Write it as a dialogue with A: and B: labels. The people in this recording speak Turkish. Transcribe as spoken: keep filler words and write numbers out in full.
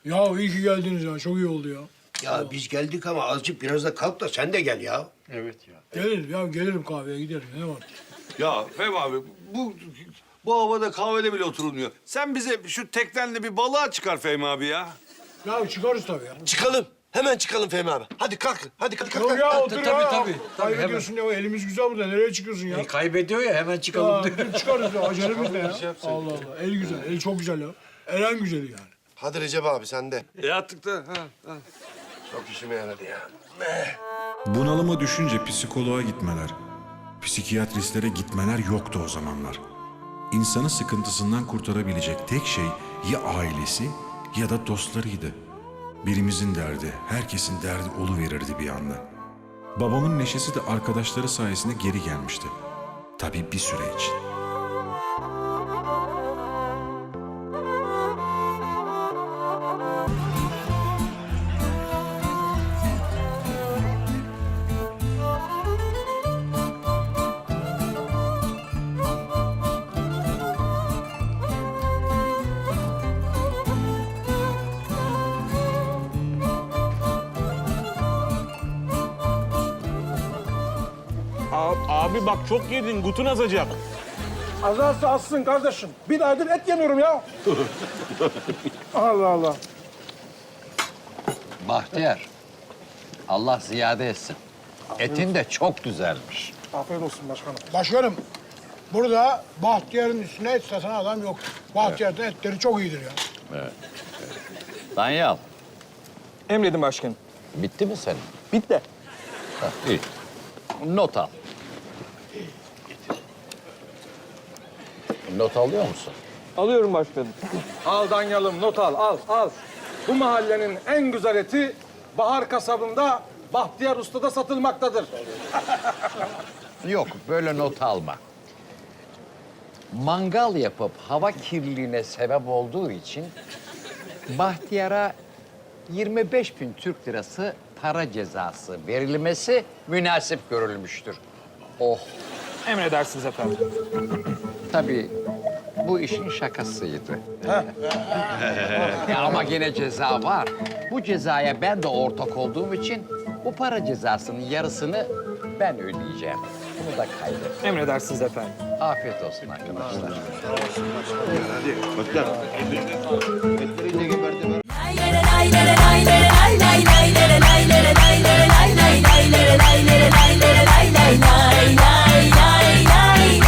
A: Ya iyi ki geldiniz ya. Çok iyi oldu ya.
B: Ya biz geldik ama azıcık biraz da kalk da sen de gel ya.
C: Evet ya.
A: Gelirim ya. Gelirim kahveye giderim. Ne var?
C: Ya Fehmi abi bu bu havada kahvede bile oturulmuyor. Sen bize şu teknenle bir balığa çıkar Fehmi abi ya.
A: Ya çıkarız tabii ya.
D: Çıkalım. Hemen çıkalım Fehmi abi. Hadi kalk. Hadi kalk. kalk,
A: Yok
D: kalk.
A: ya
D: kalk.
A: otur
E: tabii,
A: ya.
E: tabii, tabii,
A: Kaybediyorsun ya. Elimiz güzel burada. Nereye çıkıyorsun ya?
E: E, kaybediyor ya hemen çıkalım
A: Ya,
E: diyor.
A: dur çıkarız ya. Acelemiz ne ya? Allah Allah. El güzel. El çok güzel ya. El en güzeli yani.
D: Hadi Recep abi sen de.
C: E attık da. Ha, ha.
D: Çok işime yaradı ya.
F: Bunalıma düşünce psikoloğa gitmeler, psikiyatristlere gitmeler yoktu o zamanlar. İnsanı sıkıntısından kurtarabilecek tek şey ya ailesi ya da dostlarıydı. Birimizin derdi, herkesin derdi oluverirdi bir anda. Babamın neşesi de arkadaşları sayesinde geri gelmişti. Tabii bir süre için.
G: Abi bak çok yedin, gutun azacak.
H: Azarsa azsın kardeşim. Bir aydır et yemiyorum ya. Allah Allah.
I: Bahtiyar, Allah ziyade etsin. Etin de çok güzelmiş.
H: Afiyet olsun başkanım.
A: Başkanım, burada Bahtiyar'ın üstüne et satan adam yok. Bahtiyar'ın etleri çok iyidir ya.
I: Danyal,
H: Emredin başkanım.
I: bitti mi senin?
H: Bitti.
I: Hah, iyi. Not al. Not alıyor musun?
H: Alıyorum başkanım. Al Danyalım, not al, al, al. Bu mahallenin en güzel eti Bahar Kasabı'nda Bahtiyar Usta'da satılmaktadır.
I: Yok, böyle not alma. Mangal yapıp hava kirliliğine sebep olduğu için Bahtiyar'a yirmi beş bin Türk lirası para cezası verilmesi münasip görülmüştür. Oh,
H: Emredersiniz efendim.
I: tabii bu işin şakasıydı. Ya ama yine ceza var. Bu cezaya ben de ortak olduğum için bu para cezasının yarısını ben ödeyeceğim. Bunu da kaydet.
H: Emredersiniz efendim.
I: Afiyet olsun arkadaşlar.
B: Hadi. Bak lan.
J: Lay lay lay lay lay lay.